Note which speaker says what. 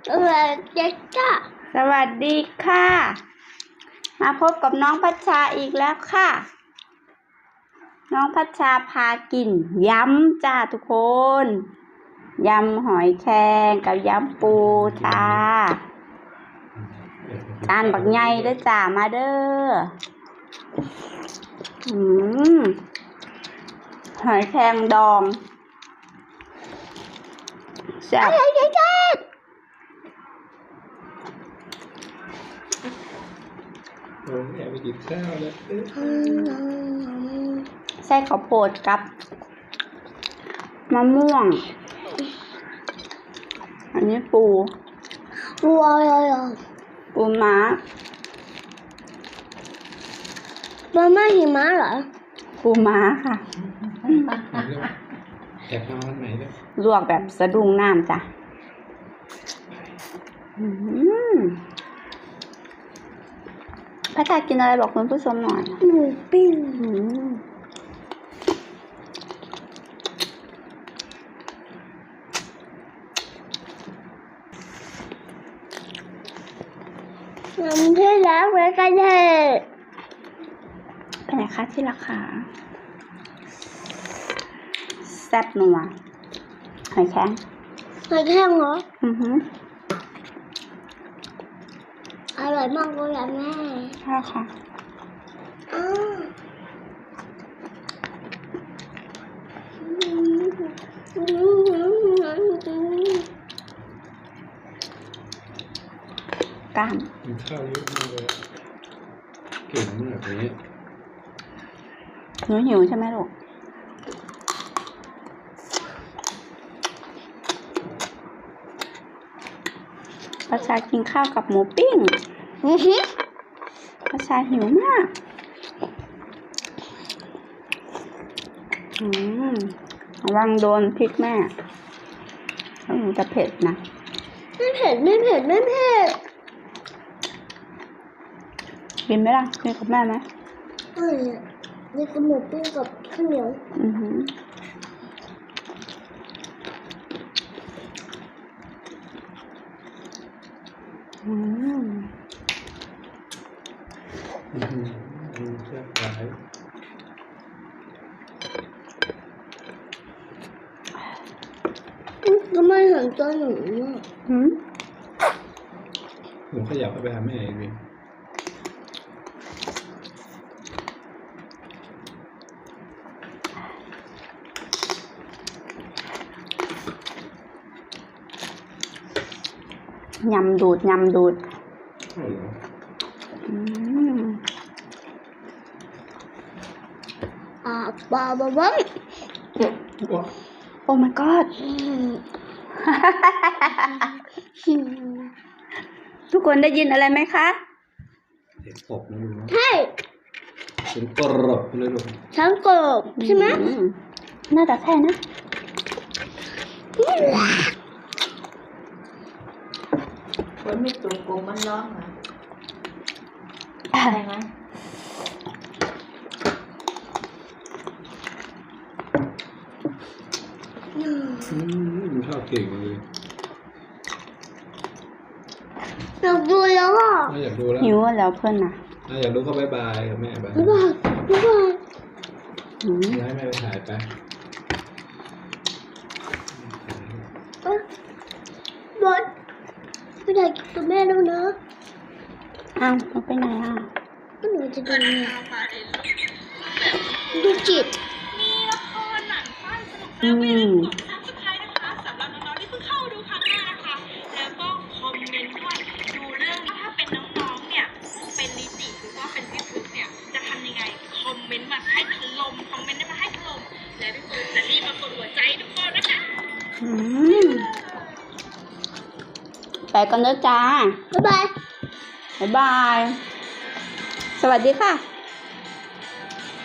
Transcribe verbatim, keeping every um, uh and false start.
Speaker 1: สวัสดีค่ะสวัสดีค่ะมาพบกับน้องพัชชาอีกแล้วค่ะน้องพัชชาพากินยำจ้าทุกคนยำหอยแครงกับยำปูจ้าจานบักใหญ่เด้อจ้ามาเด้ออืมหอยแครงดองแซ่บ
Speaker 2: โอ้ยอยากไปกินข้าวแล้ว
Speaker 1: ใส่ข้าวโพดกับมะม่วงอันนี้ปูปูอะไรอ่ะปูม้าปูม้าหิมะเหรอปูม้าค่ะ
Speaker 2: แอบมาวันไหนเนี่ย
Speaker 1: ลวกแบบสะดุ้งน้ำจ้ะพระชากินอะไรบอกคุณผู้ชมหน่อยหมูปิ้งน้ำที่รักไว้กันเถอะเป็นไงคะที่รักค่ะแซ่บนัวหอยแครงหอยแครงเหรออือฮึอร่อยมากเลยแม่ใช่ค่ะกล้าม
Speaker 2: กินข้าวเยอะมากเลยเก่งมากเลย
Speaker 1: หนูหิวใช่ไหมลูกประชากินข้าวกับหมูปิ้งประชาหิวมากอืมระวังโดนพริกแม่มันจะเผ็ดนะไม่เผ็ดไม่เผ็ดไม่เผ็ดกินไหมล่ะกินกับแม่ไหมเออนี่กับหมูปิ้งกับข้าวเหนียวอือหืออืม
Speaker 2: อืมอืมแซ่บหลาย
Speaker 1: ก็ไม่เห็นตัวหนูอ่ะหืม
Speaker 2: หนูขยับไปหาแม่เอง
Speaker 1: ยำดูดยำดูดอ่าบาบาบังโอ้ my god ทุกคนได้ยินอะไรไหมคะ
Speaker 2: เสียงกบนะลูก
Speaker 1: ใช่
Speaker 2: เสียงกรบเลยลูก
Speaker 1: ช้างกบใช่ไหมน่าจะใช่นะ
Speaker 3: คนไม่ตัวกลมมันร้องเหรอใช่ไหม
Speaker 2: อืมมันชอบเก่งเลย
Speaker 1: อยากดูแล้วอ่ะ
Speaker 2: อยากดูแล้ว
Speaker 1: หิวแล้วเพื่อนน่ะ
Speaker 2: อยากดูก็บายบายกับแม่บาย
Speaker 1: บายบายบาย
Speaker 2: ให้แม่ไปถ่ายไป
Speaker 1: บอสไม่ได้กับแม่แล้วนะอ้าวมันไปไหนอ่ะก็หนูจะดูเนี่ยดูจิต
Speaker 4: มีละครหนังสั้นสนุกน่าไปดูครั้งสุดท้ายนะคะสำหรับน้องๆที่เพิ่งเข้าดูครั้งแรกนะคะแล้วก็คอมเมนต์ว่าดูเรื่องถ้าเป็นน้องๆเนี่ยเป็นนิติหรือว่าเป็นพี่พึกเนี่ยจะทำยังไงคอมเมนต์มาให้ถล่มคอมเมนต์มาให้ถล่มและพี่พึกจะรีบมากดหัวใจทุกคนนะคะ
Speaker 1: ไปกันเด้อจ้าบ๊ายบายบ๊ายบายสวัสดีค่ะ